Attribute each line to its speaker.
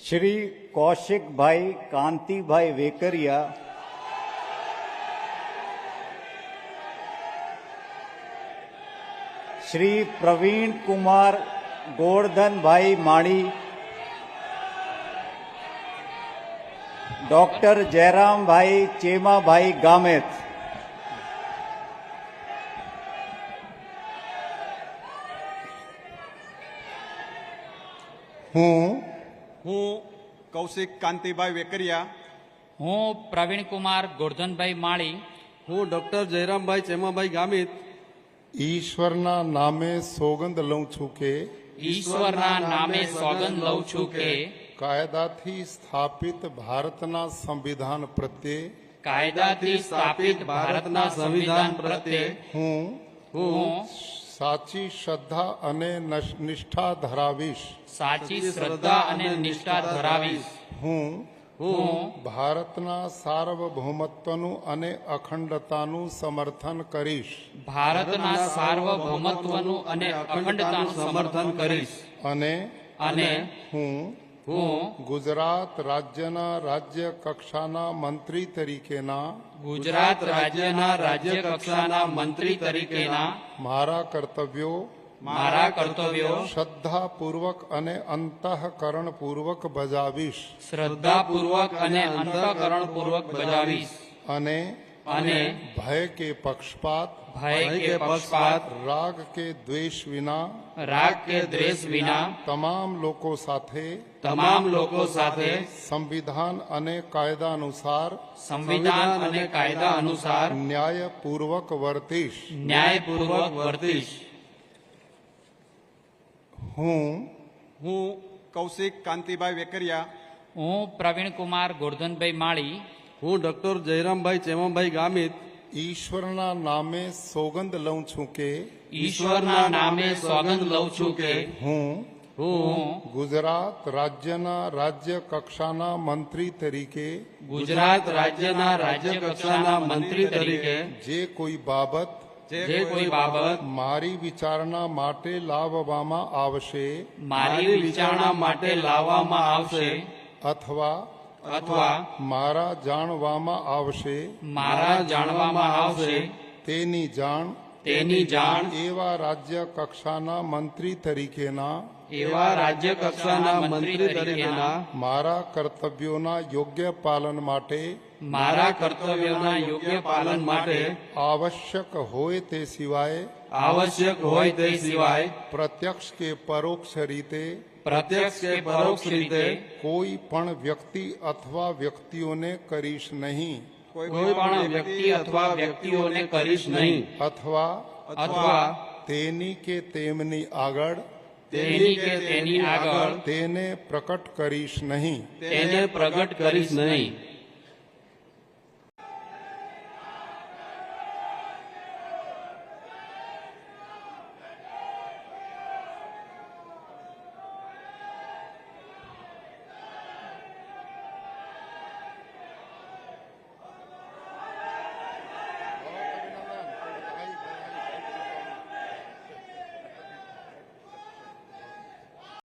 Speaker 1: श्री कौशिक भाई कांति भाई वेकरिया, श्री प्रवीण कुमार गोवर्धन भाई माणी, डॉक्टर जयराम भाई चेमा भाई गामेत।
Speaker 2: હું કૌશિક કાંતિભાઈ વેકરિયા,
Speaker 3: હું પ્રવીણ કુમાર ગોરધનભાઈ માળી,
Speaker 4: હું ડોક્ટર જયરામભાઈ ચેમાભાઈ ગામિત
Speaker 5: ઈશ્વરના નામે સોગંદ લઉં છું કે
Speaker 3: ઈશ્વરના નામે સોગંદ લઉં છું કે
Speaker 5: કાયદાથી સ્થાપિત ભારતના સંવિધાન પ્રત્યે
Speaker 3: કાયદાથી સ્થાપિત ભારતના સંવિધાન પ્રત્યે
Speaker 5: હું સાચી શ્રદ્ધા અને નિષ્ઠા ધરાવીશ।
Speaker 3: સાચી શ્રદ્ધા અને નિષ્ઠા ધરાવીશ।
Speaker 5: હું ભારતના સાર્વભૌમત્વનું અને અખંડતાનું સમર્થન કરીશ।
Speaker 3: ભારતના સાર્વભૌમત્વનું અને અખંડતાનું સમર્થન કરીશ।
Speaker 5: અને હું ગુજરાત રાજ્યના રાજ્ય કક્ષાના મંત્રી તરીકેના
Speaker 3: ગુજરાત રાજ્યના રાજ્ય કક્ષાના મંત્રી તરીકેના
Speaker 5: મારા કર્તવ્યો શ્રદ્ધાપૂર્વક અને અંતઃકરણપૂર્વક બજાવીશ।
Speaker 3: શ્રદ્ધાપૂર્વક અને અંતઃકરણપૂર્વક બજાવીશ। અને
Speaker 5: ભય કે પક્ષપાત રાગ કે દ્વેષ વિના તમામ લોકો સાથે સંવિધાન અને કાયદા અનુસાર ન્યાયપૂર્વક વર્તીશ। હું
Speaker 2: કૌશિક કાંતિભાઈ વેકરિયા,
Speaker 3: હું પ્રવીણ કુમાર ગોરધનભાઈ માળી,
Speaker 4: હું ડોક્ટર જયરામભાઈ ચેમાભાઈ ગામિત
Speaker 5: ઈશ્વરના નામે સોગંદ લઉં છું કે
Speaker 3: ઈશ્વરના નામે સોગંદ લઉં છું કે
Speaker 5: હું ગુજરાત રાજ્યના રાજ્ય કક્ષાના મંત્રી તરીકે
Speaker 3: ગુજરાત રાજ્યના રાજ્ય કક્ષાના મંત્રી તરીકે
Speaker 5: જે કોઈ બાબત મારી વિચારણા માટે લાવવામાં આવશે અથવા મારા જાણવામાં આવશે તેની જાણ એવા રાજ્ય કક્ષાના મંત્રી તરીકેના મારા કર્તવ્યોના યોગ્ય પાલન માટે આવશ્યક હોય તે સિવાય પ્રત્યક્ષ કે પરોક્ષ રીતે કોઈ પણ વ્યક્તિ અથવા વ્યક્તિઓને કરીશ નહીં અથવા તેની કે તેમની આગળ તેને પ્રકટ કરીશ નહીં।